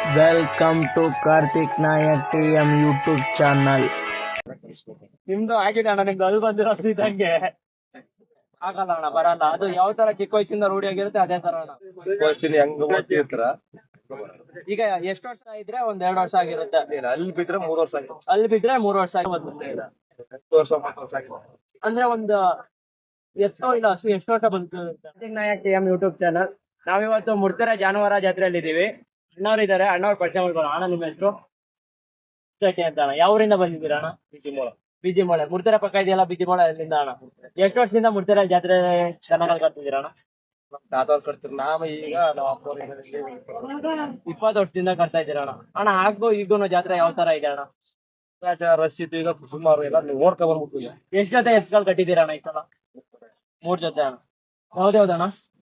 Welcome to Karthik Nayak TM YouTube channel. ನಿಮ್ದು ಆಗಿದೆ ಅಣ್ಣ, ನಿಮ್ದು ಅಲ್ಲಿ ಬಂದಿರೋ ಇದ್ದಂಗೆ ಆಗಲ್ಲ ಅಣ್ಣ, ಬರಲ್ಲ. ಅದು ಯಾವ ತರ ಚಿಕ್ಕ ವಯಸ್ಸಿಂದ ರೂಢಿ ಆಗಿರುತ್ತೆ ಅದೇ ತರ ಅಣ್ಣ. ಹೆಂಗ್ ಓದ್ತಿರ್ತಾರ ಈಗ ಎಷ್ಟು ವರ್ಷ ಇದ್ರೆ 1-2 ವರ್ಷ ಆಗಿರುತ್ತೆ. ಅಲ್ಲಿ ಬಿದ್ರೆ 3 ವರ್ಷ ಆಗಿದೆ, ಅಲ್ಲಿ ಬಿದ್ರೆ 3 ವರ್ಷ ಆಗಿ ಬಂದಿರುತ್ತೆ. 10 ವರ್ಷ 10 ವರ್ಷ ಆಗಿದೆ. ಅಂದ್ರೆ ಒಂದು ಎಷ್ಟೋ ಇಲ್ಲ ಅಷ್ಟು ಎಷ್ಟು ವರ್ಷ ಬಂತು Karthik Nayak TM YouTube channel. ನಾವಿವತ್ತು ಮುಡ್ತೆರೆ ಜಾನುವಾರ ಜಾತ್ರೆಯಲ್ಲಿ ಇದೀವಿ. ಅಣ್ಣವ್ರು ಇದಾರೆ, ಅಣ್ಣವ್ರ ಪರಿಚಯ ಮಾಡ್ಕೊಳ್ಳೋಣ. ಅಣ್ಣ ನಿಮ್ಮ ಹೆಸರು ಅಂತ ಅಣ್ಣ? ಯಾವ ಊರಿಂದ ಬಂದಿದ್ದೀರಾ ಅಣ್ಣ? ಬಿಜಿಮೋಳೆ. ಮುಡ್ತೆರೆ ಪಕ್ಕ ಇದೆಯಲ್ಲ ಬಿಜಿಮೋಳೆ, ಅಲ್ಲಿಂದ ಅಣ್ಣ. ಎಷ್ಟು ವರ್ಷದಿಂದ ಮುಡ್ತೆರೆ ಜಾತ್ರೆ ಚೆನ್ನಾಗಿ ಕಟ್ತಿದ್ದೀರಾ ಅಣ್ಣ? ತಾತವ್ರು ಕಟ್ತಿರ್, ನಾವ್ ಈಗ ನಾವ್ ಅಪ್ಪವ್ರು 20 ವರ್ಷದಿಂದ ಕಟ್ತಾ ಇದ್ದೀರಾ ಅಣ್ಣ. ಅಣ್ಣ ಆಗ್ಬೋ ಈಗೂನು ಜಾತ್ರೆ ಯಾವ ತರ ಇದೆ ಅಣ್ಣ? ರಶ್ ಇತ್ತು, ಈಗ ಸುಮಾರು ಎಲ್ಲ ನೋಡ್ಕೊಂಡ್ ಬಂದ್ಬಿಟ್ಟು ಎಷ್ಟ್ ಜೊತೆ ಎತ್ಗಳು ಕಟ್ಟಿದ್ದೀರಾ ಅಣ್ಣ ಈ ಸಲ? 3 ಜೊತೆ ಅಣ್ಣ. ಯಾವ್ದಣ್ಣ?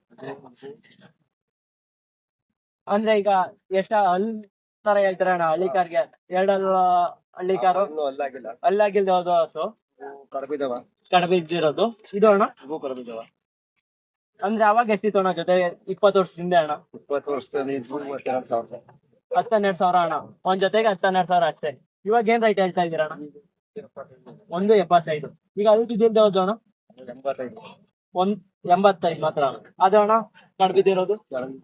ಅಂದ್ರೆ ಈಗ ಎಷ್ಟ ಹಲ್ ತರ ಹೇಳ್ತಾರ ಅಣ್ಣ ಹಳ್ಳಿ ಕಾರ್ಗೆ? 2 ಹಳ್ಳಿ ಕಾರು ಇನ್ನೂ ಅಲ್ಲಾಗಿಲ್ಲ, ಅಲ್ಲಾಗಿಲ್ದ ಯಾವ್ದು ಹಸು ಕಡಬಿದವ, ಕಡಬಿದ್ದಿರೋದು ಇದು ಅಣ್ಣ? ಇವು ಕಡಬಿದವ. ಅಂದ್ರೆ ಅವಾಗ ಎಷ್ಟಿತ್ತು ಅಣ್ಣ ಜೊತೆ? 20 ವರ್ಷದಿಂದ ಅಣ್ಣ. 20 ವರ್ಷದಲ್ಲಿ 32,000. 12,000 ಅಣ್ಣ. ಒಂದ್ ಜೊತೆಗೆ 12,000 ಅಷ್ಟೇ. ಇವಾಗ ಏನ್ ರೈಟ್ ಹೇಳ್ತಾ ಇದೀರ ಅಣ್ಣ? 1.75. ಈಗ ಅಲ್ಲಿ ಬಿದ್ದಿಲ್ದ ಯಾವ್ದು ಅಣ್ಣ? 85. 1.85 ಮಾತ್ರ ಅಣ್ಣ. ಅದು ಅಣ್ಣ ಕಡ್ಬಿದ್ದಿರೋದು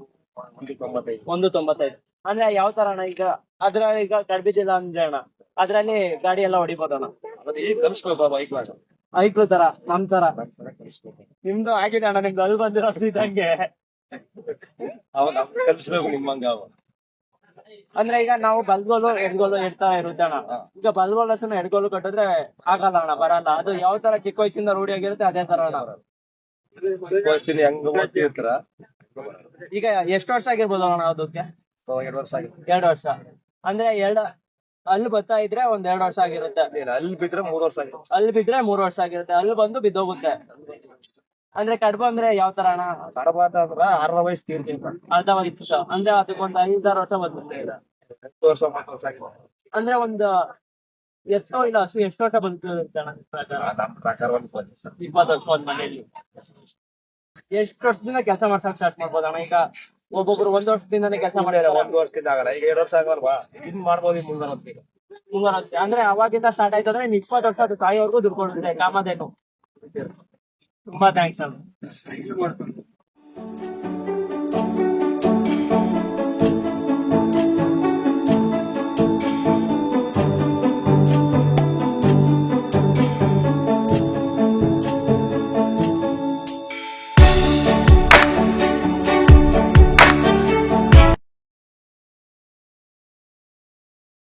1.95. ಅಂದ್ರೆ ಯಾವ ತರ ಅಣ್ಣ? ಈಗ ಅದ್ರಲ್ಲಿ ಈಗ ಕಡ್ಬಿದ್ದಿಲ್ಲ ಅಂದ್ರೆ ಅಣ್ಣ ಅದ್ರಲ್ಲಿ ಗಾಡಿ ಎಲ್ಲ ಹೊಡಿಬೋದು ಅಣ್ಣ. ಮತ್ತೆ ಈಗ ಕಲಿಸ್ಬೇಕು ಬೈಕ್ ಮಾಡಿ, ಐಕ್ಳು ತರ ನಮ್ ತರ. ಕಲಿಸ್ಬೇಕು. ನಿಮ್ದು ಆಗಿದೆ ಅಣ್ಣ, ನಿಮ್ದು ಅಲ್ಲಿ ಬಂದಿರೋ ಇದ್ದಂಗೆ. ಅವಾಗ ಕಲಿಸ್ಬೇಕು ನಿಮ್ಮಂಗ. ಅವ ಅಂದ್ರೆ ಈಗ ನಾವು ಬಲ್ಗೋಲು ಎಡ್ಗೋಲು ಇಡ್ತಾ ಇರುತ್ತೆ ಅಣ್ಣ. ಈಗ ಬಲ್ಗೋಲ್ ಹಸನ ಎಡ್ಗೋಲು ಕಟ್ಟಿದ್ರೆ ಆಗಲ್ಲ ಅಣ್ಣ, ಬರಲ್ಲ. ಅದು ಯಾವ ತರ ಚಿಕ್ಕ ವಯಸ್ಸಿಂದ ರೂಢಿ ಆಗಿರುತ್ತೆ ಅದೇ ತರ ಅಣ್ಣ. ಹೆಂಗ್ ಓದ್ತಿರ್ತಾರ. ಈಗ ಎಷ್ಟು ವರ್ಷ ಆಗಿರ್ಬೋದು ಅಣ್ಣ ಅದಕ್ಕೆ? 2 ವರ್ಷ ಆಗಿದೆ. 2 ವರ್ಷ. ಅಂದ್ರೆ ಅಲ್ಲಿ ಬರ್ತಾ ಇದ್ರೆ 1-2 ವರ್ಷ ಆಗಿರುತ್ತೆ. ಅಲ್ಲಿ ಬಿದ್ರೆ 3 ವರ್ಷ ಆಗಿದೆ. ಅಲ್ಲಿ ಬಿದ್ರೆ 3 ವರ್ಷ ಆಗಿರುತ್ತೆ. ಅಲ್ಲಿ ಬಂದು ಬಿದ್ದೋಗುತ್ತೆ. ಅಂದ್ರೆ ಕಡ್ಬು ಅಂದ್ರೆ ಯಾವ ತರ ಅಣ್ಣ? ಕಡಬ ಅಂತಂದ್ರ 6ರ ವಯಸ್ಸು ತೀರ್ತೀನಿ, ಅರ್ಧ ವರ್ಷ. ಅಂದ್ರೆ ಅದಕ್ಕೊಂದು 5-6 ವರ್ಷ ಬಂದಿರುತ್ತೆ. 10 ವರ್ಷ 10 ವರ್ಷ ಆಗಿದೆ. ಅಂದ್ರೆ ಒಂದು ಎಷ್ಟೋ ಇಲ್ಲ ಅಷ್ಟು ಎಷ್ಟು ವರ್ಷ ಬಂದಿರುತ್ತೆ ಅಣ್ಣ ನಿಮ್ ಪ್ರಕಾರ? ನಮ್ಮ ಪ್ರಕಾರ ಒಂದು 20 ವರ್ಷ. 20 ವರ್ಷ ಒಂದ್ ಮನೆಯಲ್ಲಿ. ಎಷ್ಟು ವರ್ಷದಿಂದ ಕೆಲಸ ಮಾಡ್ಸಕ್ ಸ್ಟಾರ್ಟ್ ಮಾಡ್ಬೋದು ಅಣ್ಣ? ಈಗ ಒಬ್ಬೊಬ್ರು 1 ವರ್ಷದಿಂದಾನೇ ಕೆಲಸ ಮಾಡಿದ್ರೆ 1 ವರ್ಷದಿಂದ ಆಗಲ್ಲ, ಈಗ 2 ವರ್ಷ ಆಗಲ್ವಾ? ಇನ್ ಮಾಡ್ಬೋದು ಈಗ ಮುಂದೆ ಹೊತ್ತಿಗೆ. ಅಂದ್ರೆ ಅವಾಗಿಂದ ಸ್ಟಾರ್ಟ್ ಆಯ್ತು ಅಂದ್ರೆ 20 ವರ್ಷ ಅದು ತಾಯಿಯವ್ರಿಗೂ ದುಡ್ಡು ಕೊಡುತ್ತೆ ಕಾಮಧೇನು. ತುಂಬಾ ಥ್ಯಾಂಕ್ಸ್ ಅಣ್ಣ.